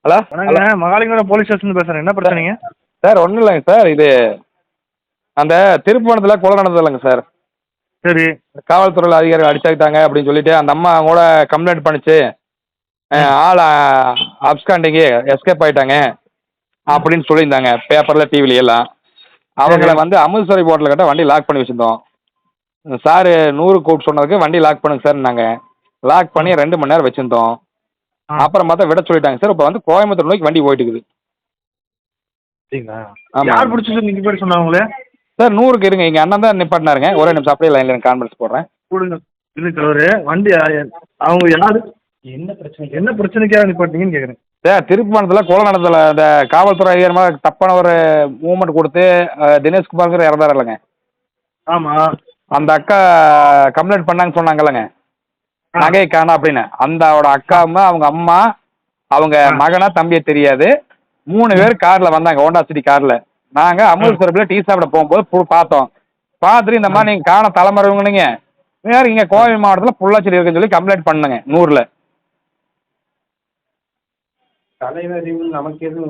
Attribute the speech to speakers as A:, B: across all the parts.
A: Hello
B: வணக்கங்க, Mahalingapuram police station பேசுகிறேன். என்ன பிரச்சனைங்க?
A: சார் ஒன்றும் இல்லைங்க சார். இது அந்த திருப்புவனத்தில் கொலை நடந்தது இல்லைங்க சார்.
B: சரி.
A: காவல்துறையில் அதிகாரிகள் அடிச்சாக்கிட்டாங்க அப்படின்னு சொல்லிட்டு அந்த அம்மா கூட கம்ப்ளைண்ட் பண்ணிச்சு. ஆள் அப்ஸ்காண்டிங்கு எஸ்கேப் ஆகிட்டாங்க அப்படின்னு சொல்லியிருந்தாங்க பேப்பரில் டிவில எல்லாம். அவங்கள வந்து அமுதசுவரி போர்ட்டில் கிட்ட வண்டி லாக் பண்ணி வச்சுருந்தோம். சார் 100 கூப்பிட்டு சொன்னதுக்கு வண்டி லாக் பண்ணுங்க சார். நாங்கள் லாக் பண்ணி 2 மணி நேரம் வச்சுருந்தோம். அப்புறம் பார்த்தா விட சொல்லிட்டாங்க சார். இப்போ வந்து கோயம்புத்தூர் நோக்கி வண்டி போயிட்டு இருக்குது.
B: சரிங்களா?
A: ஆமாம்.
B: யார் பிடிச்சி நீங்கள் பேர் சொன்னாங்களே
A: சார் 100க்கு இருங்க. எங்கள் அண்ணன் தான் நிப்பாட்டினாருங்க. ஒரே நிமிஷம் அப்படியே லைனில் கான்ஃபரன்ஸ் போடுறேன்.
B: கொடுங்க. இல்லை தலைவர், வண்டி அவங்க யார் என்ன பிரச்சனைக்காக நிப்பாட்டிங்கன்னு கேட்குறேன்.
A: சார் திருப்பணத்தில் கொலை நடந்ததில்ல. இந்த காவல்துறை அதிகாரமாக தப்பான ஒரு மூவ்மெண்ட் கொடுத்து தினேஷ்குமார்ங்கிற இறந்தார் இல்லைங்க.
B: ஆமாம்.
A: அந்த அக்கா கம்ப்ளைண்ட் பண்ணாங்கன்னு சொன்னாங்கல்லங்க, நகையை காணோம் அப்படின்னு. அந்த அவரோட அக்காவும் அவங்க அம்மா அவங்க மகனா தம்பியை தெரியாது. 3 பேர் காரில் வந்தாங்க, ஹோண்டா சிட்டி காரில். நாங்கள் அமுதசுவரத்தில் டீ சாப்பிட போகும்போது பார்த்தோம். பார்த்துட்டு இந்த மாதிரி நீங்கள் காண தலைமறைவுங்க வேறு இங்கே கோவை மாவட்டத்தில் பொள்ளாச்சி இருக்குன்னு சொல்லி கம்ப்ளைண்ட் பண்ணுங்க 100ல்.
C: தலைமறைவு நமக்கு எதுவும்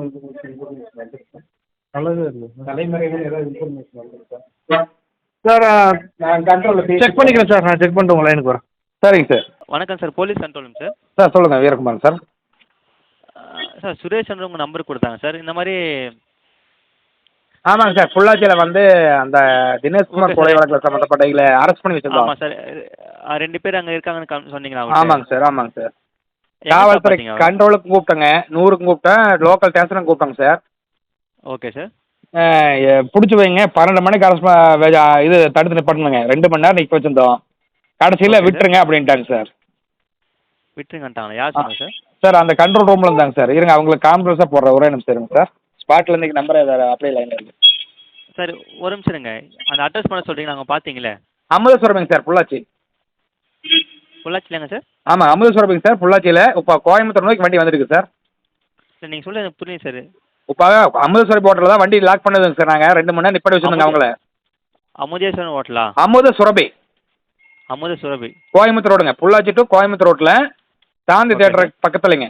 C: தலைமறைவு ஏதாவது இன்ஃபர்மேஷன் வந்துருக்கா
B: சார்?
C: நான் கண்ட்ரோலில்
B: செக் பண்ணிக்கிறேன் சார். நான் செக் பண்ணிட்டு உங்கள் லைனுக்கு வரேன்.
A: சரிங்க சார்.
D: வணக்கம் சார், போலீஸ் கண்ட்ரோலுங்க சார்.
A: சார் சொல்லுங்கள். வீரகுமார் சார்.
D: சார் சுரேஷ் உங்கள் நம்பர் கொடுத்தாங்க சார். இந்த மாதிரி
A: ஆமாங்க சார். பொள்ளாச்சியில் வந்து அந்த தினேஷ்குமார் கொலை வழக்கில் சம்மந்தப்பட்டவங்களை அரெஸ்ட் பண்ணி வச்சிருந்தோம்.
D: ஆமாம் சார். 2 பேர் அங்கே இருக்காங்கன்னு சொன்னீங்களா?
A: ஆமாங்க சார். ஆமாங்க சார். காவல்துறை கண்ட்ரோலுக்கு கூப்பிட்டேங்க, 100க்கும் கூப்பிட்டேன், லோக்கல் ஸ்டேஷனுக்கு கூப்பிட்டேங்க சார்.
D: Okay sir.
A: பிடிச்சி வைங்க, 12 மணிக்கு இது தடுத்து நிப்பாட்டணுங்க. 2 மணி நேரம் நிற்க வச்சுருந்தோம். கடைசியில் விட்டுருங்க அப்படின்ட்டாங்க சார்.
D: விட்டுருங்கன்ட்டாங்களா? யார் சொன்னாங்க சார்?
A: சார் அந்த கண்ட்ரோல் ரூமில் இருந்தாங்க சார். இருங்க அவங்களுக்கு கான்ஃபரன்ஸாக போடுறேன். ஒரே நிமிஷம் இருங்க சார். ஸ்பாட்டில் இன்றைக்கி நம்பர் அப்படியே லைனில் இருக்குது
D: சார். ஒரு நிமிஷம் இருங்க. அந்த அட்ரஸ் பண்ண சொல்கிறீங்க, நாங்கள் பார்த்தீங்களே.
A: அமுதசுவரமிங்க சார், பொள்ளாச்சி.
D: பொள்ளாச்சிலங்க சார்?
A: ஆமாம் அமுதசுவரமிங்க சார், பொள்ளாச்சியில். இப்போ கோயம்புத்தூர் நோக்கி வண்டி வந்துருக்கு சார்.
D: சார் நீங்கள் சொல்ல எனக்கு புரியுது சார்.
A: இப்போ அமுதசுவரி போர்ட்டில் தான் வண்டி லாக் பண்ணதுங்க சார். நாங்கள் 2 மணி நேரம் நிப்பாட்டி வச்சுருந்தோங்க அவங்கள.
D: அமுதேஸ்வரன் ஹோட்டலா?
A: அமுதசுரபி.
D: அமுதசுரபி
A: கோயம்புத்தூர் ரோடுங்க. பொள்ளாச்சி டு கோயம்புத்தூர் ரோட்டில் சாந்தி தேட்டர் பக்கத்துலைங்க.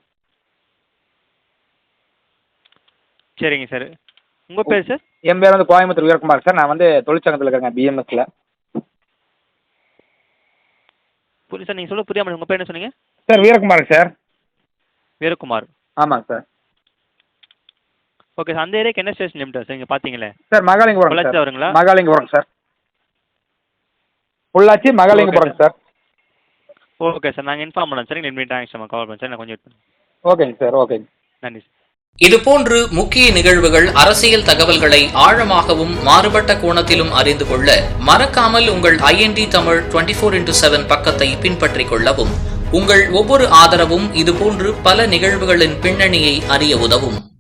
D: சரிங்க சார். உங்கள் பேர் சார்?
A: என் பேர் வந்து கோயம்புத்தூர் வீரகுமார் சார். நான் வந்து தொழிற்சங்கத்தில் இருக்கேங்க, பிஎம்எஸ்ல.
D: புரியுது சார். நீங்கள் சொல்ல புரியாமல் உங்கள் பேர் என்ன சொன்னீங்க?
A: Sir Veerakumar sir.
D: வீரகுமார்.
A: ஆமாங்க சார்.
D: Okay sir. அந்த ஏரியாக்கு என்ன ஸ்டேஷன் லிமிட் சார்? இங்கே பார்த்தீங்களே
A: சார் மகாலிங்கபுரம்.
D: பொள்ளாச்சி வருங்களா?
A: Mahalingapuram sir. Pollachi Mahalingapuram sir.
D: Okay sir. நாங்கள் இன்ஃபார்ம் பண்ணோம் சார். நீங்கள் தேங்க்ஸ் சார். கால் பண்ண சார். நான் கொஞ்சம்
A: ஓகேங்க சார். ஓகேங்க.
D: நன்றி சார்.
E: இதுபோன்று முக்கிய நிகழ்வுகள், அரசியல் தகவல்களை ஆழமாகவும் மாறுபட்ட கோணத்திலும் அறிந்து கொள்ள மறக்காமல் உங்கள் IND தமிழ் 24/7 பக்கத்தை பின்பற்றிக் கொள்ளவும். உங்கள் ஒவ்வொரு ஆதரவும் இதுபோன்று பல நிகழ்வுகளின் பின்னணியை அறிய உதவும்.